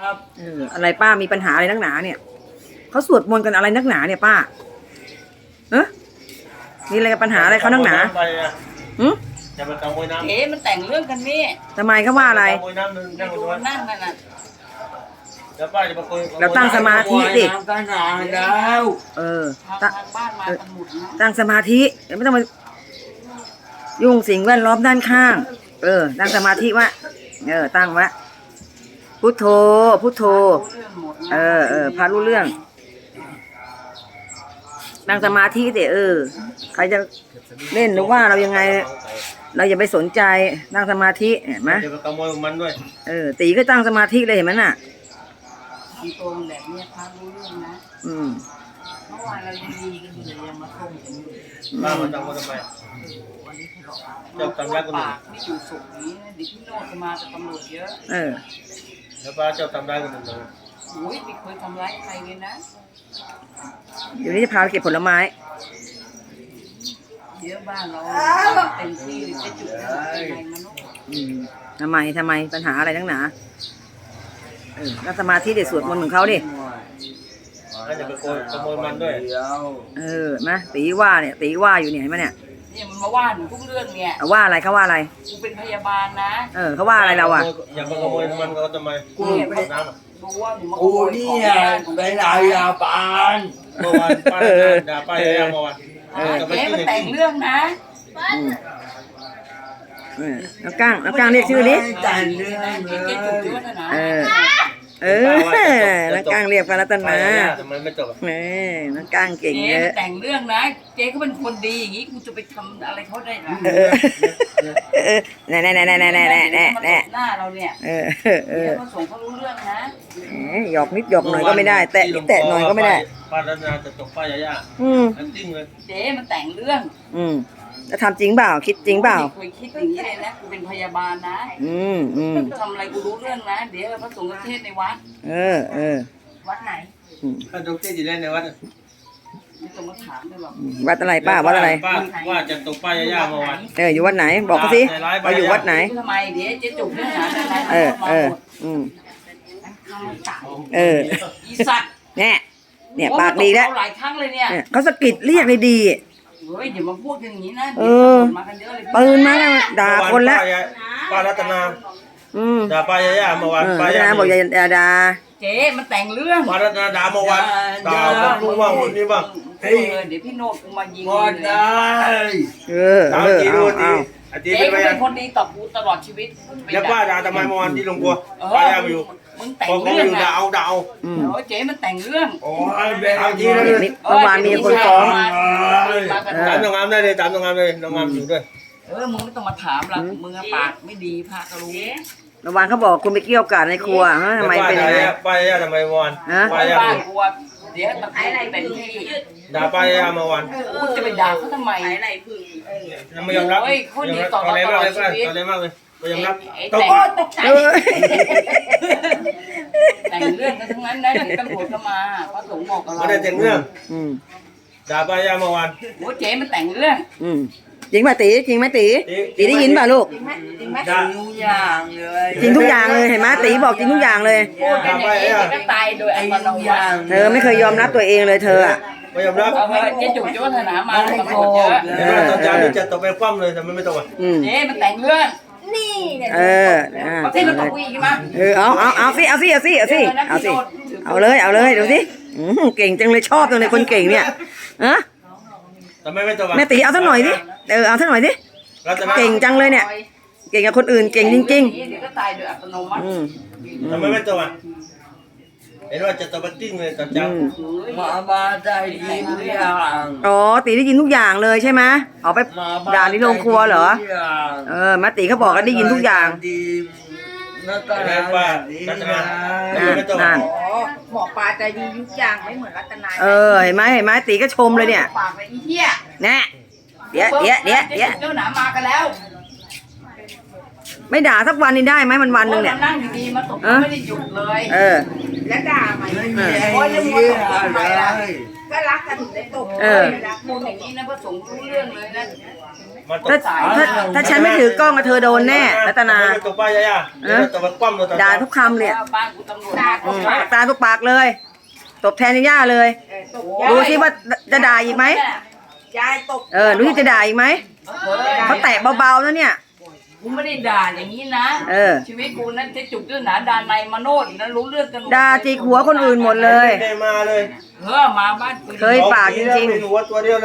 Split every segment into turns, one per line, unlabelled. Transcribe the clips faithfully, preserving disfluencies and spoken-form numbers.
ครับ
เอออะไรป้ามีปัญหาอะไรนักหนาเนี่ยเขาสวดมนต์กันอะไรนักหนาเนี่ยป้าเออมีอะไรปัญหาอะไรเขานักหนาหืม
จะมาขโมยน้ำ
เจ๊มันแต่งเรื่องกันนี่
ทำไมเขาว่าอะไร
ขโมยน้ำนึงนั่ง
ดู
ตรงนั้น
นั่งนั่นน่ะ
แล้วป้าจะมาคุย
เราตั้งสมาธิดิ
น้ำตั้งนานแล้ว
เออ
ทาง
ตั้ง
ทางบ้านมากันหมดนะ
ตั้งสมาธิเดี๋ยวไม่ต้องมายุ่งสิ่งแวดล้อมด้านข้าง เออ ตั้งสมาธิวะเออ ตั้งวะพุทโธพุทโธ
รู้เรื่องหมดนะ
เออเออพารู้เรื่องนั่งสมาธิเดี๋ยเออใครจะเล่นหรือว่าเรายังไง เราอย่าไปสนใจนั่งสมาธิเห็นไหม
จะมาขโมยมันด้วย
เออตีก็ตั้งสมาธิเลยเห็นไหมน่ะ
มีตัวมันแบบเนี้ยพารู้เรื่องนะ
อืม
เมื่อวานเรายังดีกันอยู่เลยยังมาส่งกันอยู่
ป้ามันทำมาทำไม
วันนี้ทะเลาะกัน
เจ้าตำรักกันหนึ่ง
ปากไม่อยู่สุขนี้นะเดี๋ยวพี่โนดจะมากับตำรวจเยอะ
เออ
แล้วป้าเจ้าทำได้กันหนึ่งเลย
โอ้ยไม่เคยทำร้ายใครเลยนะ
เดี๋ยวนี้จะพาไปเก็บผลไม้
เดี๋ยวบ้านเราเต็มที่เลยจะจุดอะไรมาโน
อืมทำไมทำไมปัญหาอะไรนักหนาเออนั่งสมาธิเดี๋ยวสวดมนต์ของเขาดิ
แล้วจะไปขโมยขโมยมันด้วย
เดี๋ยว
เออนะตีว่าเนี่ยตีว่าอยู่เนี่ยเห็นไหมเนี่ย
เนี่ยมันมาว่าหนูทุกเรื่องเนี่ย
เอาว่าอะไรเขาว่าอะไร
กูเป็นพยาบาลนะ
เออเขาว่าอะไรเราอ่ะ
อย่ามาขโมยมันก็ทำไมกูอาบน้ำอ่ะ
รู้ว่าหนูมาข
กู
โมย
นี่
ของ
ไง
บ้านของ
เป็น
ชาว
อา
บ้าน
ญาปาน
เมื่อวานป้าด่าป้าย่าเมื่อวาน
เจ๊มันแต่งเรื่องนะ
อืมเออน้องก้างน้องก้างเรียกชื่อดิ
ไม่แต่งเรื่อง
เจ๊
เล
เจ๊จุด
ย
ด้วยนะ
เออ เออน้องก้างเรียกพระรัตนา
ทำไมไม่จบ
เออน้องก้างเก่ง
เจ๊
เย
มัน
อะ
แต่งเรื่องนะ เจ๊เขาเป็นคนดีอย่างนี้กูจะไปทำอะไรเขาได้นะ
เออเออแน่แน่แน่แน่แน่แน่แน่แน่แน่
หน้าเราเนี่ย
เออเออเอ
เดี๋
อ
ยวมาส่งเขารู้เรื่องนะ
แหมหยอกนิดหยอกหน่อยก็ไม่ได้ แตะนิดแตะหน่อยก็ไม่ได้
ป้ารัตนาจะตกป้าย่า
อืม
อันจริงเลย
เจ๊มันแต่งเรื่อง
อืมแล้วทำจริงเปล่าคิดจริงเปล่า
ไม่เคยคิดอย่างนี้เลยนะกูเป็นพยาบาลนะ
อืมอืม
ทำอะไรกูรู้เรื่องนะ เดี๋ยวพระสงฆ์เทศในวัด
เออเออ
วัดไหน
อืม
ป้าทุกที่อยู่ในวัด
ไม่ต้องมาถามเลยหรอก
วัดอะไรป้าวัดอะไร
ป้าว่าจะตกป้าย่าเมื่อวาน
เอออยู่วัดไหน บอกเขาสิเราอยู่วัดไหน
ทำไมเดี๋ยวเจ๊จุกเรื่องหาอะไร
เออเอออืมเออ
อีสัตว์
เนี่ยเนี่ยปากดีแล้ว
หลายครั้งเลยเนี่ย
เนี่ยเขาสะกิดเรียกเลยดี
เฮ้ยอย่ามาพูดอย่างนี้นะ
เออ
มากันเยอะเลย
ปืนมาแล้วด่าคนแล้ว
ป้ารัตนา
อืม
ด่าป้าย่าเมื่อวาน
เออ
ป้า
แล้ว
ย่า
นะบอกอย่าอย่าด่า
เจ๊มันแต่งเรื่อง
ป้ารัตนาด่าเมื่อวานด่าคนรู้ว่าคนนี้บ้าง
เออเดี๋ยวพี่โนดกูมายิง
หมดได้
เออ
ด่า
เออ
จี
เอา
ดูจี
เอา
อาจี
เจ๊
เป็นพ
ก็
ยา
เป็นคนดีต่อกูตลอดชีวิต
แล้วป้าด่าทำไมเมื่อวานที่ลงครัว
เออ
ป้าย่าไปอยู่
มึงแต่ง
พอเขา
เรื่
ไม่
อง
อยู่ด่า
อะ
เอาด่าเอา
อืม
โอ้ยเจ๊มันแต่งเรื่อง
โอ้ยเป็น
เอาจริงนะ
นี่เมื่อวานมีคนฟ้อง
มากัน
ตามนางงามได้เลยตามนางงามเลยนางงามอยู่ด้วย
เออมึงไม่ต้องมาถามหรอกมึงอะปากไม่ดีพาก็รู้
เมื่อวานเขาบอกคุณไปเกี่ยวกาดในครัวฮะทำไมเป็นยังไง
ป้าย่าทำไมเมื่อวาน
ฮะ
ป้า
ไอ้
ย่า
บ้านกูอะเดี๋ยวตะไคร้อะไรเป็นที่
ด่าป้าย่าเมื่อวาน
กูจะไปด่าเขาทำไม
ไม่ยอมรับ
โอ้ยคนดีต่อ
อะไร
ต
มาก
ลอ
เล
ด
ย
ชี
ป้า
วิต
อะไรมากเลยไม่ยอมรับ
ไอ้
ต
แต่
ก
งตกใจ
เออ
แต่งเรื่องกันทั้งนั้นนะเดี๋ยวตำรวจก็มาพระสงฆ์บอกกับเรา
ไม่ได้แต่งเรื่อง
อืม
ด่าป้าย่าเมื่อวาน
โอ้เจ๊มันแต่งเรื่อง
อืมจริงป่ะตีจริงไหมตี
จริง
ตีได้ยินป่ะลูก
ด่า
ทุกอย่างเลย
จริงทุกอย่างเลยเห็นไหมตีบอกจริงทุกอย่างเลย
พูดเป็นอย่างนี้เดี๋ยวก็ตายโดยอัตโนมัติ
เธอไม่เคยยอมรับตัวเองเลยเธออะ
ไม่ยอมรับ
เอาเถอะเจ๊จุ๋มเจ้าวัฒนามาตำรวจเยอะ
เห็นว่าตอนเช้านี่จะตกไปคว่ำเลยแต่ไม่ไม่ตกอ่ะ
อืม
เจ๊มันแต่งเรื่อง
เอออ่า
ประเทศมันตกอีกมา
เออเอาเอาเอาสิเอาสิเอาสิเอาสิเอาสิเอาเลยเอาเลยดูสิอืมเก่งจังเลยชอบจังเลยคนเก่งเนี่ยอะ
ทำไมไม่ตกอ่ะ
แม่ตีเอาสักหน่อยดิเออเอาสักหน่อยดิ
รัตนา
เก่งจังเลยเนี่ย เก่งกับคนอื่นเก่งจริง
เดี๋ยวก็ตายโดยอัตโนมั
ๆ
ติ
อืม
ทำไมไม่ตกอ่ะเห็นว่าจะตกไปติ้งเลยตอน
อื
เช้าม
มาบ้านได้ยินทุกอย่าง
อ๋อตีได้ยินทุกอย่างเลยใช่ไหมเอาไป
มาบ้าน
ด่าในโรงครัวเหรอ
ทุกอย่าง
เออแม่ตีเขาบอกก็ได้ยินทุกอย่าง
ดีแล้วก็
เห็นว่ารัตนาทำไมไม่ตก
นั่
อ่ะ
น
อ๋อหมอปลาใจดีทุกอย่างไม่เหมือนรัตนา
เออเห็นไหมเห็นไหมตีก็ชมเลยเนี่ย
ปากเลยอีเหี้ย
แน่เดี๋ยวเดี๋ยวเดี๋ยวเดี๋ยว
เจ้าหนามากันแล้ว
ไม่ด่าสักวันนี้ได้ไหมมันวันหนึ่งเนี่ย
รานั่งดีๆมาตก
เออ
ไม่ได้หยุดเลย
เออ
แล้วด่าไหม
ไม่มีไอ้เหี้ยเลย
ก็รักกันถึงได้ตบ
เออ
พูดอย่างนี้นะพระสงฆ์รู้เรื่องเลยนะ
มันตก
ถ้าถ้าถ้าฉันไม่ถือกล้องอะเธอโดนแน่รัตนา
ตกป้ายย่าเดี๋ยวตกมันคว่ำเลยตอน
ด่าทุกคำเลยอะ
บ้านกูตำรวจ
ด่า
มา
ต
อื
บ
มตาทุกปากเลย ตบแทนย่าเลย
เออตบ
ดูสิว่าจะด่าอีกไหม
ยายตบ
เออรู้ที่จะด่าอีกไหม
เฮ้ย
เขาแตะเบาๆนะเนี่ย
กูไม่ได้ด่าอย่างนี้นะ
เออ
ชีวิตกูนั้นจะจุกเรื่องหนาด่าในมาโนดนะรู้เรื่องกันหม
ด่าจิกหัวคนอื่นหมดเลย
ไม่ได้มาเลย
เฮ้อมาบ้านกู
เคย ปากจริงๆ
มีหัวตัวเดียวเลย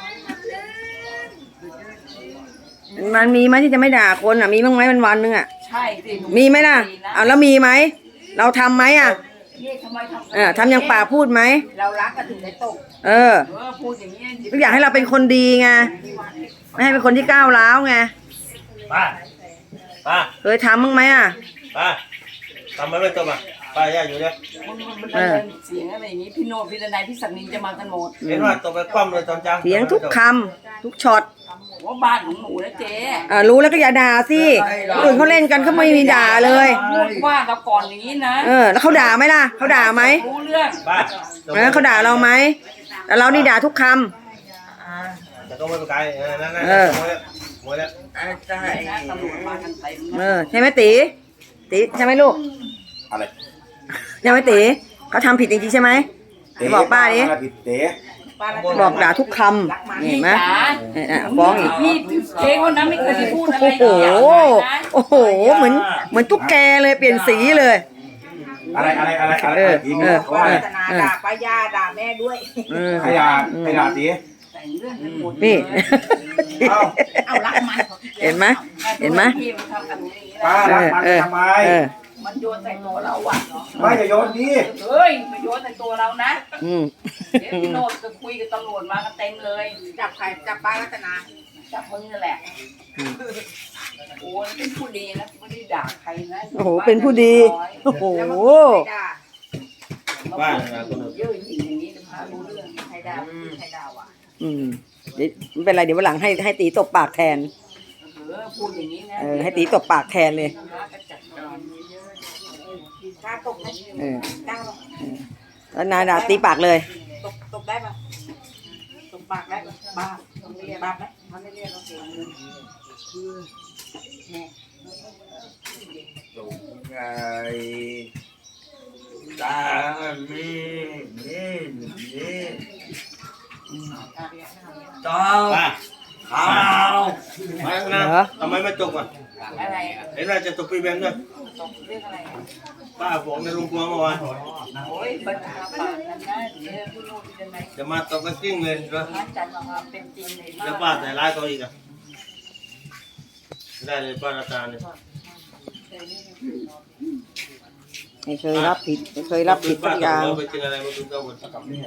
มันมีไหมที่จะไม่ด่าคนอ่ะมีบ้างไหมวันวันๆนึงอ่ะ
ใช่สิ
มีไหมล่ะเอาแล้วมีไหมเราทำไหมอ่ะ
เรียกทำไมทำ
เออทำอย่างปากพูดไหม
เรารักกันถึงได้ตบ
เออ
เออพูดอย่างนี้
ก็อยากให้เราเป็นคนดีไงไม่ให้เป็นคนที่ก้าวร้าวไง
ป้าป้า
เคยทำบ้างไหมอ่ะ
ป้าทำไมไม่ตกอ่ะป้าย่าอยู่เนี่ย
มันมันเป็นเสียงอะไรอย่างนี้พี่โนดพี่ดนายพี่ศักดิ์นินจะมากันหมด
เห็นว่าตกไปคว่ำเลยตอนเช้า
เสียงทุกคำทุกช็อต
ว่าบ้านของหนูนะเจ๊
อ่ารู้แล้วก็อย่าด่าสิคนอื่นเขาเล่นกันเขาไม่มีด่าเลย
พูดว่าเราก่อนอย่างนี้นะ
เออ แล้วเขาด่าไหมล่ะเขาด่าไหม
รู้เรื่อง
ป้า
เออเขาด่าเราไหมแต่เรานี่ด่าทุกค
แต่ก็ไม่เป็นไรนั่นนั่น
เออ
หมดแล้ว
ไอ้ใจ
นะตำรวจมากันเต็ม
ำเออใช่ไหมตีตีใช่ไหมลูก
อะไร
ใช่ไหมตีเขาทำผิดจริงๆใช่ไหมไปบอกป้าดิ
ผิดเต๋
ป้ารัก
บอกด่าทุกคำเห็นไหม
จ๋า
เอออ่ะฟ้องอีก
พี่เจ๊คนนั้นไม่เคยพูดอะไร
โอ้โห
อย่างนั้นนะ
โอ้โห เหมือน เหมือนตุ๊กแกเลยเปลี่ยนสีเลย
อะไรอะไรอะไรอะไร
เออ
อีก
เออ
ว่า
ป้ารัตนาด่าป้าย่าด่าแม่ด้วย
เออ
ใครด่าใครด่าตี
แต่งเรื่องกันหมด
นี่
เอ้า
เอารักมัน
เห็นไหมเห็นไหม
พี่มันทำกันอย่างนี้
ป้า
นะ
รักมัน
เออ
ทำไม
เออ
มันโยนใส่ตัวเราอ่ะ
ไม่อย่าโยนดิ
เฮ้ยมันโยนใส่ตัวเรานะ
อืม
เดี๋ยวพี่โนดจะคุยกับตำรวจมากันเต็มเลย
จับใครจับป้ารัตนา
จับมึงนั่นแหละโอ้ยเป็นผู้ดีนะไม่ได้ด่าใครนะ
โอ้โห เป็นผู้ดี โอ้โห
แล้วมันใครด่า
ป้านะคนอื่น
เยอะจริงอย่างนี้จะพารู้เรื่อง
ใครด่าใครด่าว่ะ
อืมเดี๋ยวไม่เป็นไรเดี๋ยววันหลังให้ให้ตีตบปากแทน
เออพูดอย่างนี้นะ
เออ ให้ตีตบปากแทนเลย
กล้าตบไหม
เออ
กล้าหรอ
แล้วนายด่าตีปากเลย
ตบตบได้ปะตบปากได้ปะบ้าบ้าไหมมันไม่เรียกเราเสียเงิน
ตกไงตามีนี่นี่ต้อง
ป้า
เอา
ไม่นะทำไมไม่ตกอ่ะ
อะไร
เห็นว่าจะตกพี่แบงค์ด้วย
ตกเรื่องอะไร
ป้าบอกในลุงพวงเมื่อวาน
โอ้ยบัญชาปากกันนะเดี๋ยวพี่โนดพี่ดนาย
จะมาตกกันจริงเลยเหรอ
นัดจันทร์มาเป็นจริงเลย
จะป้าแต่ร้ายเขาอีกอ่ะได้เลยป้ารัตนาเนี่ย
ไม่เคยรับผิดไม่เคยรับผิดสักอย่าง
เราไปกินอะไรมาดูเจ้าหมดกับเนี่ย